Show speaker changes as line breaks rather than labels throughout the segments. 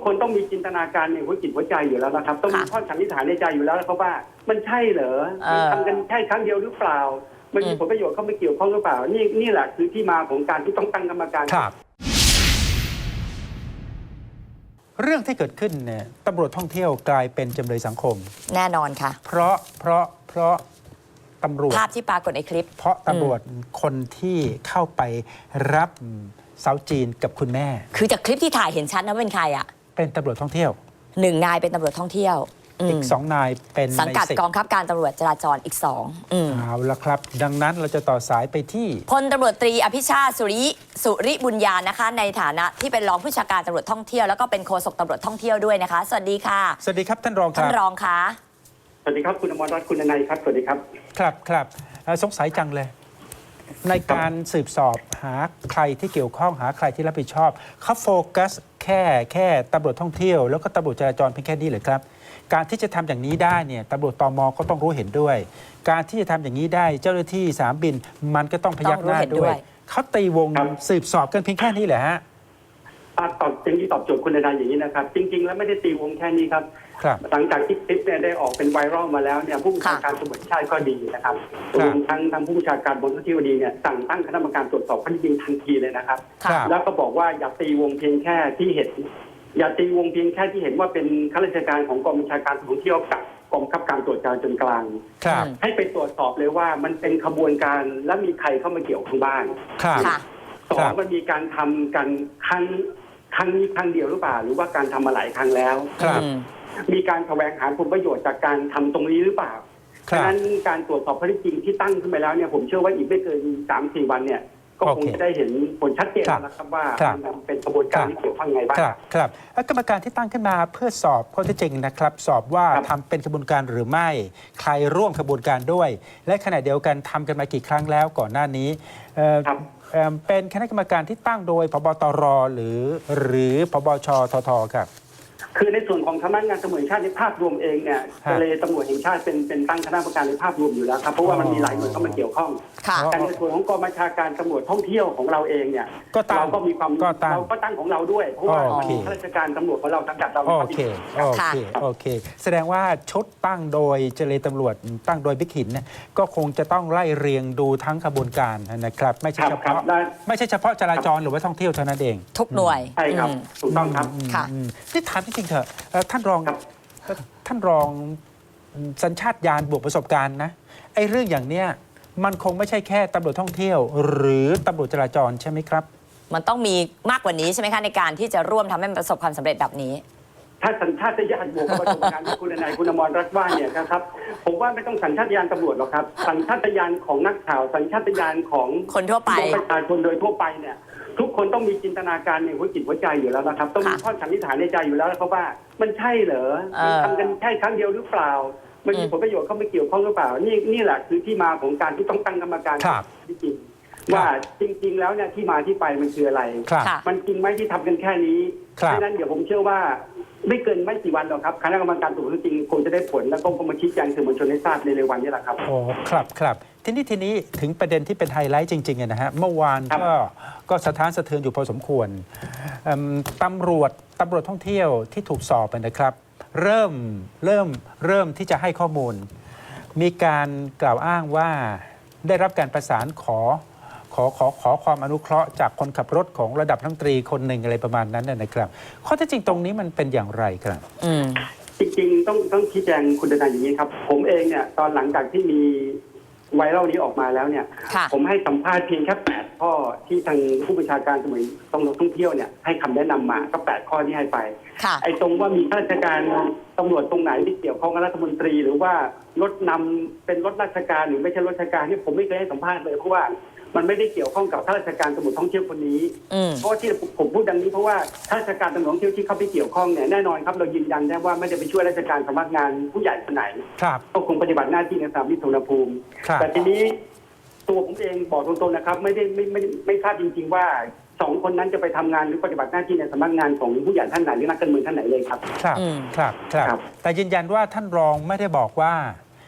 คนต้องมีจินตนาการในหัวจิตหัวใจอยู่แล้วนะครับต้องมีข้อสันนิษฐานในใจอยู่แล้วครับว่ามันใช่เหรอทำกันแค่ครั้งเดียวหรือเปล่ามันมีผลประโยชน์เข้ามาเกี่ยวข้องหรือเปล่านี่แหละคือที่มาของการที่ต้องตั้งกรรมการ
ครับเรื่องที่เกิดขึ้นเนี่ยตำรวจท่องเที่ยวกลายเป็นจำเลยสังคม
แน่นอนค่ะ
เพราะตำรวจ
ภาพที่ปรากฏในคลิป
เพราะตำรวจคนที่เข้าไปรับสาวจีนกับคุณแม่
คือจากคลิปที่ถ่ายเห็นชัดนะเป็นใครอ่ะ
เป็นตำรวจท่องเที่ยว
1 นายเป็นตำรวจท่องเที่ยว
อีก2 นายเป็น
สังกัดกองคับการตำรวจจราจรอีก2
เอาละครับดังนั้นเราจะต่อสายไปที่
พลตำรวจตรีอภิชาติสุริบุญญานะคะในฐานะที่เป็นรองผู้บัญชาการตำรวจท่องเที่ยวแล้วก็เป็นโฆษกตำรวจท่องเที่ยวด้วยนะคะสวัสดีค่ะ
สวัสดีครับท่านรองครับ
ท่านรองคะ
สวัสดีครับคุณอมรรัตน์คุณนายครับสวัสดีครับ
ครับสงสัยจังเลยในการสืบสอบหาใครที่เกี่ยวข้องหาใครที่รับผิดชอบเขาโฟกัสแค่ตำรวจท่องเที่ยวแล้วก็ตำรวจจราจรเพียงแค่นี้เลยครับการที่จะทำอย่างนี้ได้เนี่ยตำรวจตม.ก็ต้องรู้เห็นด้วยการที่จะทำอย่างนี้ได้เจ้าหน้าที่สนามบินมันก็ต้องพยักหน้าด้วยเขาตีวงสืบสอบกันเพียงแค่นี้เหรอฮะ
ตอบจริงที่ตอบโจทย์คุณนายอย่างนี้นะครับจริงๆแล้วไม่ได้ตีวงแค่นี้ครับหลังจากที่คลิปเนี่ยได้ออกเป็นไวรัลมาแล้วเนี่ยผู้บัญชาการตำรวจชาติก็ดีนะครับรวมทั้งผู้บัญชาการบนที่ดีเนี่ยสั่งตั้งคณะกรรมการตรวจสอบข้อเท็จจริงทันทีเลยนะครับแล้วก็บอกว่าอย่าตีวงเพียงแค่ที่เห็นอย่าตีวงเพียงแค่ที่เห็นว่าเป็นข้าราชการของกองบัญชาการตำรวจท่องเที่ยวกับกองบังคับการตรวจจราจรกลางให้ไปตรวจสอบเลยว่ามันเป็นขบวนการและมีใครเข้ามาเกี่ยวข้องบ้าง2มันมีการทำกันครั้งนี้ครั้งเดียวหรือเปล่าหรือว่าการทำมาหลายครั้งแล้วมีการแสวงหาผลประโยชน์จากการทำตรงนี้หรือเปล่าฉะนั้นการตรวจสอบข้อเท็จจริงที่ตั้งขึ้นไปแล้วเนี่ยผมเชื่อว่าอีกไม่เกิน 3-4 วันเนี่ยก็คงจะได้เห็นผลชัดเจนนะครับว่ามันเป็นกระบวนการที่เกี่ยวข้องไงบ้าง
ครับกรรมการที่ตั้งขึ้นมาเพื่อสอบข้อเท็จจริงนะครับสอบว่าทำเป็นกระบวนการหรือไม่ใครร่วมกระบวนการด้วย และขณะเดียวกันทำกันมากี่ครั้งแล้วก่อนหน้านี้เป็นคณะกรรมการที่ตั้งโดยพบตรหรือพบชททครับ
คือในส่วนของสำนักงานตำรวจแห่งชาติในภาพรวมเองเนี่ยทะเลตำรวจแห่งชาติเป็นตั้งคณะกรรมการในภาพรวมอยู่แล้วครับเพราะว่ามันมีหลายหน่วยเข้ามาเกี่ยวข้องแต่ในส่วนของกองบัญชาการตำรวจท่องเที่ยวของเราเองเนี่ยเราก็มีความเราก็ตั้งของเราด้วยเพราะว่าข้าราชการตำรวจของเราสังกัดเรา
โอเคแสดงว่าชุดตั้งโดยเจรตำรวจตั้งโดยบิ๊กหินเนี่ยก็คงจะต้องไล่เรียงดูทั้งกระบวนการนะครับไม่ใช่เฉพาะจราจรหรือว่าท่องเที่ยวเท่านั้นเอง
ทุกหน่วย
ใช่ครับถูกต้องครับ
ที่ถามจริงๆเถอะท่านรองสัญชาตญาณบวกประสบการณ์นะไอ้เรื่องอย่างเนี้ยมันคงไม่ใช่แค่ตำรวจท่องเที่ยวหรือตำรวจจราจรใช่ไหมครับ
มันต้องมีมากกว่านี้ใช่ไหมคะในการที่จะร่วมทำให้มันประสบความสำเร็จแบบนี้
ถ้าสัญชาตญาณบวกประสบการณ์ที่คุณนายคุณอมรรัตน์ว่าเนี่ยครับผมว่าไม่ต้องสัญชาตญาณตำรวจหรอกครับสัญชาตญาณของนักข่าวสัญชาตญาณของ
คนทั่วไป
ประชาชนโดยทั่วไปเนี่ยทุกคนต้องมีจินตนาการในหัวจิตหัวใจอยู่แล้วนะครับต้องมีข้อสันนิษฐานในใจอยู่แล้วครับว่ามันใช่เหรอทำกันแค่ครั้งเดียวหรือเปล่ามันมีผลประโยชน์เข้ามาเกี่ยวข้องหรือเปล่านี่แหละคือที่มาของการที่ต้องตั้งกรรมการจริงว่าจริงๆแล้วเนี่ยที่มาที่ไปมันคืออะไรมันจริงไหมที่ทำกันแค่นี้เพราะฉะนั้นเดี๋ยวผมเชื่อว่าไม่เกินไม่กี่วันหรอกครับคณะกรรมการตรวจข้อเท็จจริงคงจะได้ผลแล้วก็มาชี้แจงสื่อมวลชนให้ทราบในเร็ววันนี้แหละครับ
โอ้ครับทีนี้ถึงประเด็นที่เป็นไฮไลท์จริงๆนะฮะเมื่อวานก็สะท้านสะเทือนอยู่พอสมควรตำรวจท่องเที่ยวที่ถูกสอบนะครับเริ่มที่จะให้ข้อมูลมีการกล่าวอ้างว่าได้รับการประสานขอความอนุเคราะห์จากคนขับรถของระดับรัฐมนตรีคนหนึ่งอะไรประมาณนั้นนะครับข้อเท็จจริงตรงนี้มันเป็นอย่างไรครับ
จริงๆต้องชี้แจงคุณดนายอย่างนี้ครับผมเองเนี่ยตอนหลังจากที่มีไวรัลนี้ออกมาแล้วเนี่ยผมให้สัมภาษณ์เพียงแค่8ข้อที่ทางผู้บัญชาการตำรวจท่องเที่ยวเนี่ยให้คำแนะนำมาก็8ข้อที่ให้ไปไอ้ตรงว่ามีข้าราชการตำรวจตรงไหนที่เกี่ยวข้องกับรัฐมนตรีหรือว่ารถนำเป็นรถราชการหรือไม่ใช่รถราชการนี่ผมไม่เคยให้สัมภาษณ์เลยเพราะว่ามันไม่ได้เกี่ยวข้องกับข้าราชการตำรวจท่องเที่ยวคนนี้เพราะที่ผมพูดดังนี้เพราะว่าข้าราชการตำรวจท่องเที่ยวที่เข้าไปเกี่ยวข้องเนี่ยแน่นอนครับเรายืนยันได้ว่าไม่ได้ไปช่วยราชการสำนักงานผู้ใหญ่คนไหนก็คงปฏิบัติหน้าที่ในสนามบินสุวรรณภูมิแต่ทีนี้ตัวผมเองบอกตรงๆนะครับไม่ทราบจริงๆว่า2 คนนั้นจะไปทำงานหรือปฏิบัติหน้าที่ในสำนักงานของผู้ใหญ่ท่านไหนหรือนักการเมืองท่านไหนเลยครับ
ครับแต่ยืนยันว่าท่านรองไม่ได้บอกว่า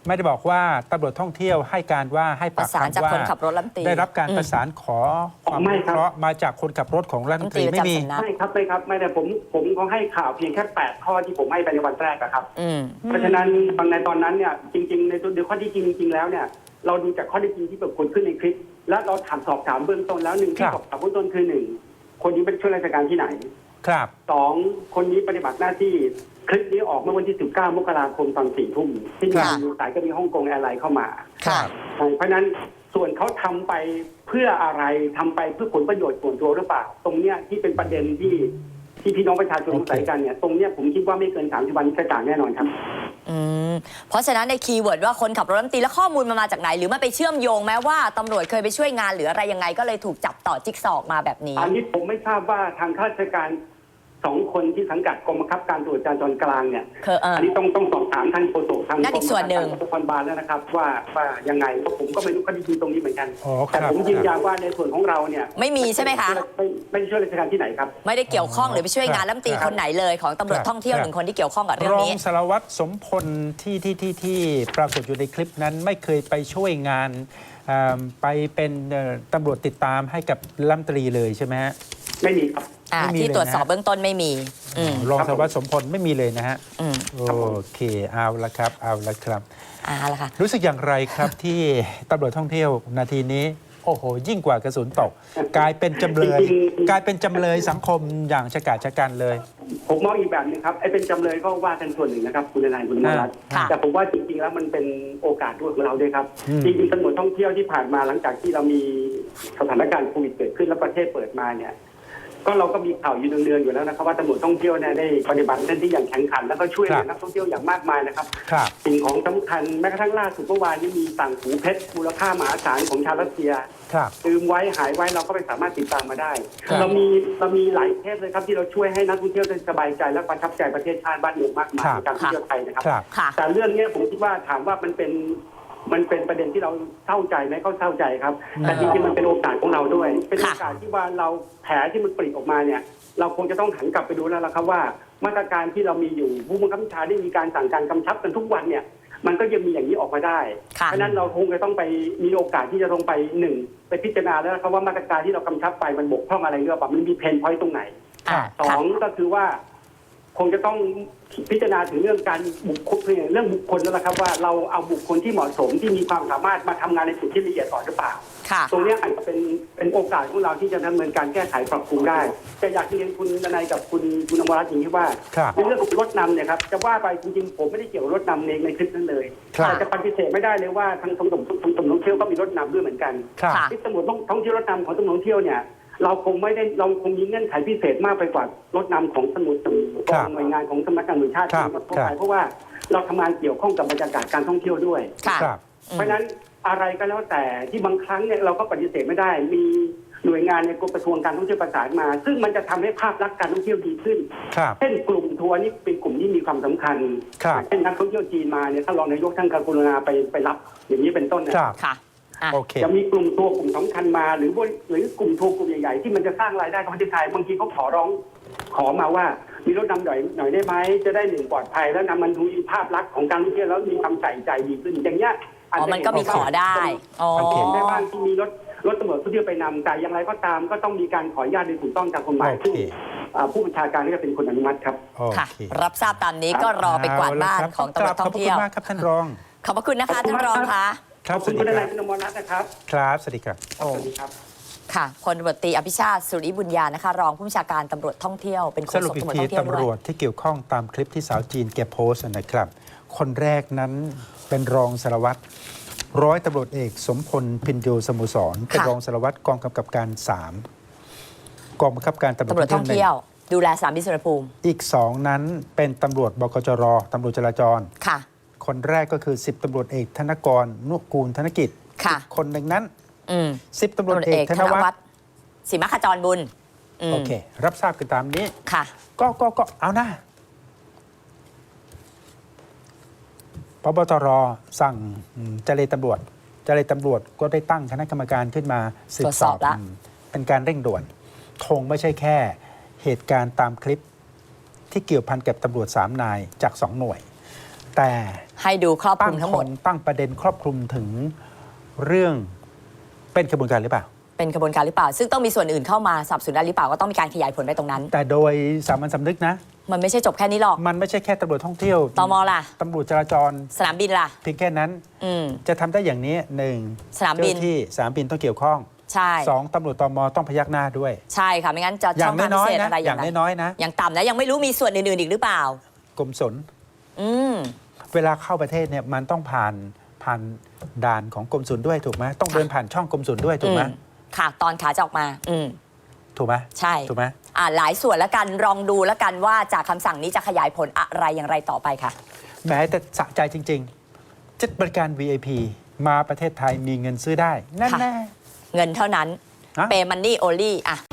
ไม่ได้บอกว่าตำรวจท่องเที่ยวให้การว่าให้
ป
ปา
ระ
ก
สานจาก
คำว่า
คนขับรถรัฐมนตรี
ได้รับการประสานขอความ
ไม่
รู้
ครับ
เคราะห์มาจากคนขับรถของรัฐมนตรี
รัฐมนตรี
ไม่มี
ประจำสำนัก
ไม่ครับไม่ได้ผมเขาให้ข่าวเพียงแค่8ข้อที่ผมให้ไปในวันแรกอะครับ
อืม
เพราะฉะนั้นในตอนนั้นเนี่ยจริงๆในตัวข้อที่จริงแล้วเนี่ยเราดูจากข้อที่จริงที่ปรากฏขึ้นในคลิป และเราสอบถามเบื้องต้นแล้วหนึ่งที่สอบถามเบื้องต้นคือหนึ่งคนนี้เป็นช่วยราชการที่ไหน
ครับ
สองคนนี้ปฏิบัติหน้าที่คลิปนี้ออกเมื่อวันที่19 มกราคมตอน4 ทุ่มที่มี
ค่ะ
สายก็มีฮ่องกงแอร์ไลน์เข้ามา
ค่ะ
เพราะฉะนั้นส่วนเขาทำไปเพื่ออะไรทำไปเพื่อผลประโยชน์ส่วนตัวหรือเปล่า ตรงเนี้ยที่เป็นประเด็นที่พี่น้องประชาชนสงสัยกันเนี่ยตรงเนี้ยผมคิดว่าไม่เกิน30 วันกระจ่างแน่นอนครับ
อืมเพราะฉะนั้นในคีย์เวิร์ดว่าคนขับรถรัฐมนตรีแล้วข้อมูลมันมาจากไหน หรือมันไปเชื่อมโยงแม้ว่าตำรวจเคยไปช่วยงานหรืออะไรยังไงก็เลยถูกจับต่อจิ๊กซอว์มาแบบนี้
อันนี้ผมไม่ทราบว่าทางข้าราชการ2 คนที่สังกัดกรมบังคับการตรวจจราจรกลางเนี่ย อันนี้ต้องสอบถามท่านโฆษกทาง
นั่นอีกส่วนหนึ่ง
กรมการบาลแล้วนะครับว่ายังไงเพราะผมก็ไม่รู้ข้อที่จริงตรงนี้เหมือนกัน
อ๋อค
แต่
รับ
ผมยืนยันว่าในส่วนของเราเนี่ย
ไม่มีใช่ไหมคะ
ไม่ได้ช่วยราชการที่ไหนครับ
ไม่ได้เกี่ยวข้องหรือไปช่วยงานรัฐมนตรีคนไหนเลยของตำรวจท่องเที่ยวหนึ่งคนที่เกี่ยวข้องกับเรื่อง
รอง
นี้
สารวัตรสมพลที่ปรากฏอยู่ในคลิปนั้นไม่เคยไปช่วยงานไปเป็นตำรวจติดตามให้กับรัฐมนตรีเลยใช่ไหมฮะ
ไม่มีครับ
ไม่มี
ที่
เลยนะ
ตรวจสอบเบื้องต้นไม่มี อืม
รองสารวัตรสมพลไม่มีเลยนะฮะ
อืม
โอเคเอาละครับเอาละครับ
ละค่ะ
รู้สึกอย่างไรครับ ที่ตำรวจท่องเที่ยวนาทีนี้ โอ้โห ยิ่งกว่ากระสุนตก กลายเป็นจำเลย
จริงๆ
กลายเป็นจำเลยสังคมอย่างชะกาจชะกันเลย
ผมมองอีกแบบหนึงครับไอ้เป็นจำเลยก็ว่ากันส่วนหนึ่งนะครับคุณนายคุณนรัตน์
ค่ะ
แต่ผมว่าจริงๆแล้วมันเป็นโอกาสด้วยของเราด้วยครับ
อืม
จริงๆตำรวจท่องเที่ยวที่ผ่านมาหลังจากที่เรามีสถานการณ์โควิดเกิดขึ้นและประเทศเปิดมาเนี่ยก็เราก็มีข่าวอยู่เดือนๆอยู่แล้วนะครับว่าตำรวจท่องเที่ยวเนี่ยได้ปฏิบัติหน้าที่อย่างแข็งขันแล้วก็ช่วยเหลือนักท่องเที่ยวอย่างมากมายนะครับ
ครับ
สิ่งของสำคัญแม้กระทั่งล่าสุดเมื่อวานนี้มีต่างหูเพชรมูลค่ามหาศาลของชาวรัสเซีย
ครับ
ลืมไว้หายไว้เราก็ไปสามารถติดตามมาได้
ครับ
เรามีหลายเคสเลยครับที่เราช่วยให้นักท่องเที่ยวได้สบายใจและประทับใจประเทศชาติบ้านเมืองมากมายในการท่องเที่ยวไทยนะครับ
ครับ
ค่ะ
แต่เรื่องเนี้ยผมคิดว่าถามว่ามันเป็นประเด็นที่เราเศร้าใจไหมก็เศร้าใจครับ แต่จริงๆมันเป็นโอกาสของเราด้วย เป็นโอกาสที่ว่าเราแผลที่มันปริออกมาเนี่ย เราคงจะต้องหันกลับไปดูแล้วล่ะครับว่ามาตรการที่เรามีอยู่ผู้บังคับบัญชาได้มีการสั่งการกำชับกันทุกวันเนี่ยมันก็ยังมีอย่างนี้ออกมาได้
ค่ะ
เพราะฉะนั้นเราคงจะต้องไปมีโอกาสที่จะต้องไปหนึ่งไปพิจารณาแล้วนะครับว่ามาตรการที่เรากำชับไปมันบกพร่องอะไรหรือเปล่ามันมีเพนพอยต์ตรงไหน สองก็คือว่าคงจะต้องพิจารณาถึงเรื่องการบุคคลเรื่องบุคคลนั่นแหละครับว่าเราเอาบุคคลที่เหมาะสมที่มีความสามารถมาทำงานในจุดที่ละเอียดอ่อนหรือเปล่า
ค่ะ
ตรงนี้อาจจะเป็นโอกาสของเราที่จะดำเนินการแก้ไขปรับปรุงได้แต่อยากเรียนคุณดนัยกับคุณอมรรัตน์อย่างที่ว่า
ครับ
ในเรื่องของรถนำเนี่ยครับจะว่าไปจริงๆผมไม่ได้เกี่ยวกับรถนำในคลิปนั้นเลย
ครับ
แต่จะปฏิเสธไม่ได้เลยว่าทางตำรวจท่องเที่ยวก็มีรถนำด้วยเหมือนกัน
ครับ
ค่ะ
ที่ตำรวจท่องเที่ยวรถนำของตำรวจท่องเที่ยวเนี่ยเราคงมีเงื่อนไขพิเศษมากไปกว่ารถนำของตำรวจหน่วยงานของสำนักงานตำรวจชาติ
ครับ
ทั่วไปเพราะว่าเราทำงานเกี่ยวข้องกับบรรยากาศการท่องเที่ยวด้วย
ค่ะ
ครับ
เพราะฉะนั้นอะไรก็แล้วแต่ที่บางครั้งเนี่ยเราก็ปฏิเสธไม่ได้ มีหน่วยงานในกระทรวงการท่องเที่ยวประสานมา ซึ่งมันจะทำให้ภาพลักษณ์การท่องเที่ยวดีขึ้น
ครับ
เช่นกลุ่มทัวร์นี่เป็นกลุ่มที่มีความสำคัญ
ครับ
เช่นนักท่องเที่ยวจีนมาเนี่ยท่านรองนายกท่านกรุณาไปรับอย่างนี้เป็นต้นนะ
ครับ
ค่ะ
โอเค
จะมีกลุ่มทัวร์กลุ่มสำคัญมาหรือกลุ่มทัวร์กลุ่มใหญ่ๆที่มันจะสร้างรายได้กับประเทศไทยบางทีเขาขอมาว่ามีรถนำหน่อยได้ไหมจะได้หนึ่งปลอดภัยแล้วนำมันดูภาพลักษณ์ของการท่องเที่ยวแล้วมีความใส่ใจดีขึ้นอย่างเงี้ย
อ๋อ มันก็มีขอได้ อ๋อ
เห็นได้บ้างที่มีรถตำรวจผู้เที่ยวไปนำแต่อย่างไรก็ตามก็ต้องมีการขออนุญาตโดยถูกต้องตามกฎหมาย
โอเค
ซึ่งผู้บัญชาการก็จะเป็นคนอนุมัติครับ
โอ
ค่ะ
เค
รับทราบตามนี้ก็รอไปกวาดบ้าน
เละครับ
ของตำรวจท่องเที่ยว
ขอบคุณมากครับท่านรอง
ขอบพระคุณนะคะท่านรองคะ
ครับ
ขอบคุณคุณนายคุณอมรรัตน์นะครับ
ครับสวัสดีครับ
สวัสดีครับ
ค่ะพลตำรวจตรีอภิชาติสุริบุญญานะคะ รองผู้บัญชาการตำรวจท่องเที่ยว เป็นโฆ
ส
ษ
รุป
ก
อีก
ตำรวจ
ที
ท่องเที่ยวด้
ตำร
ว
วย จที่เกี่ยวข้องตามคลิปที่สาวจีนแกโพสต์นะครับ คนแรกนั้นเป็นรองสารวัตรร้อยตำรวจเอกสมพลพินโยสโมุสรเป็นรองสารวัตรกองกำกับการ 3 กองบังคับการตำรวจ
ตำรวจท่องเที่ยว ดูแลสนามบินสุวรรณภูมิ
อีก 2 นั้นเป็นตำรวจบกจรตำรวจจราจร
ค่ะ
คนแรกก็คือ 10ตำรวจเอกธนกรนุกูลธนกิจ
ค่ะ
อีกคนหนึ่งนั้น
อืม
10ตำรวจเอกธนวัฒน์
ศรีมขจรบุญม
โอเค รับทราบกันตามนี้
ค่ะ
ก็เอานะพบตรสั่งเจรตำรวจก็ได้ตั้งคณะกรรมการขึ้นมาสืบสอบ
ตรวจสอบละ
เป็นการเร่งด่วนคงไม่ใช่แค่เหตุการณ์ตามคลิปที่เกี่ยวพันกับตำรวจ3 นายจาก 2 หน่วยแต่
ให้ดูครอบค
ตั้
ลุ
ง
มทั้งหมด
ตั้งประเด็นครอบคลุมถึงเรื่องเป็นขบวนการหรือเปล่า
เป็นกระบวนการหรือเปล่า ซึ่งต้องมีส่วนอื่นเข้ามาสนับสนุนได้หรือเปล่าก็ต้องมีการขยายผลไปตรงนั้น
แต่โดยสามัญสำนึกนะ
มันไม่ใช่จบแค่นี้หรอก
มันไม่ใช่แค่ตำรวจท่องเที่ยว
ตมล่ะ
ตำรวจจราจร
สนามบินล่ะ
เพียงแค่นั้น
อืม
จะทำได้อย่างนี้หนึ่ง
สนามบิน
เจ้ที่สนามบินต้องเกี่ยวข้อง
ใช่
สองตำรวจตมต้องพยักหน้าด้วย
ใช่ค่ะไม่งั้นจะ
อย่า
ช่อง งทาง
น้
พิ
อย
เศษ
ๆนะ
อะไร
อย่าง
ไร
น้อยๆนะ
อย่างต่ำนะยังไม่รู้มีส่วนอื่นๆอีกหรือเปล่าก
รมสน
อืม
เวลาเข้าประเทศเนี่ยมันต้องผ่านด่านของกรมศุลด้วยถูกไหมต้องเดินผ่านช่องกรมศุลด้วยถูกไหม
ค่ะตอนขาจะออกมา
ถูกไหม
ใช่
ถูกไหม
หลายส่วนแล้วกันลองดูแล้วกันว่าจากคำสั่งนี้จะขยายผลอะไรอย่างไรต่อไปค่ะ
แม้แต่สะใจจริงๆจัดบริการ VIP มาประเทศไทยมีเงินซื้อได้นั่น
ค่ะ
แน่
เงินเท่านั้น
ฮะ
เปย์มันนี่โอลี่อ่ะ